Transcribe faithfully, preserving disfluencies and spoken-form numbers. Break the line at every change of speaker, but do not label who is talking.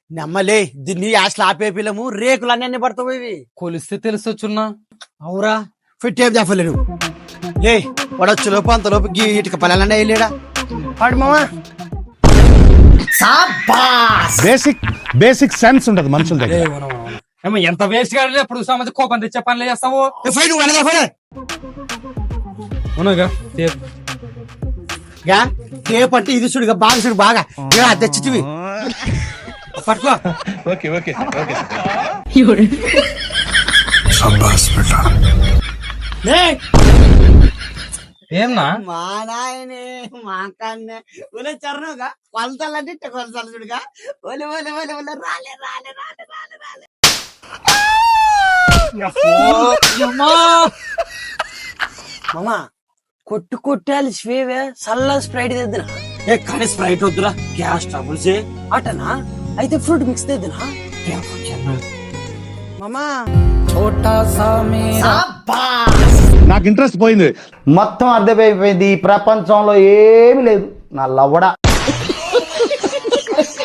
నమ్మలే దీన్ని యాస్లు ఆపే పిల్లము రేకులు అన్ని పడతావు ఇవి
కొలిస్తే తెలుసొచ్చున్నా.
అవురా ఫిట్టేం చెప్పలేను లే పడొచ్చు లోపు అంత లోపు గీ ఇటుక పల్లెలన్నా వెళ్ళాడా పాడు మామా.
బేసిక్ బేసిక్ సెన్స్ ఉంటది మనుషుల దగ్గర.
ఏమో ఎంత వేస్ట్ గా ఎప్పుడు సమస్య కోపం తెచ్చే పనులు చేస్తావు. అవునాగా
టేప్ అంటే ఇది చూడు బాగా చూడు బాగా తెచ్చిటివి పట్టుకో.
ఓకే ఓకే ఓకే
ఏమన్నా
మా నాయనే మా కన్నే ఒలే చరణగా కొలతలంటే ఇట్ట కొలతలు చూడుగా ఒలే ఒలే ఒలే ఒలే రాలే రాలే రాలే రాలే రాలే మామా కొట్టు కొట్టాలి స్వేవే సల్లా స్ప్రైట్ తెద్దునా. ఏ కానీ స్ప్రైట్ వద్దురా గ్యాస్ ట్రబుల్స్ అటనా అయితే ఫ్రూట్ మిక్స్ తెద్దునా మామా.
నాకు ఇంట్రెస్ట్ పోయింది.
మొత్తం అర్థమైపోయింది ఈ ప్రపంచంలో ఏమి లేదు నా లవ్వడా.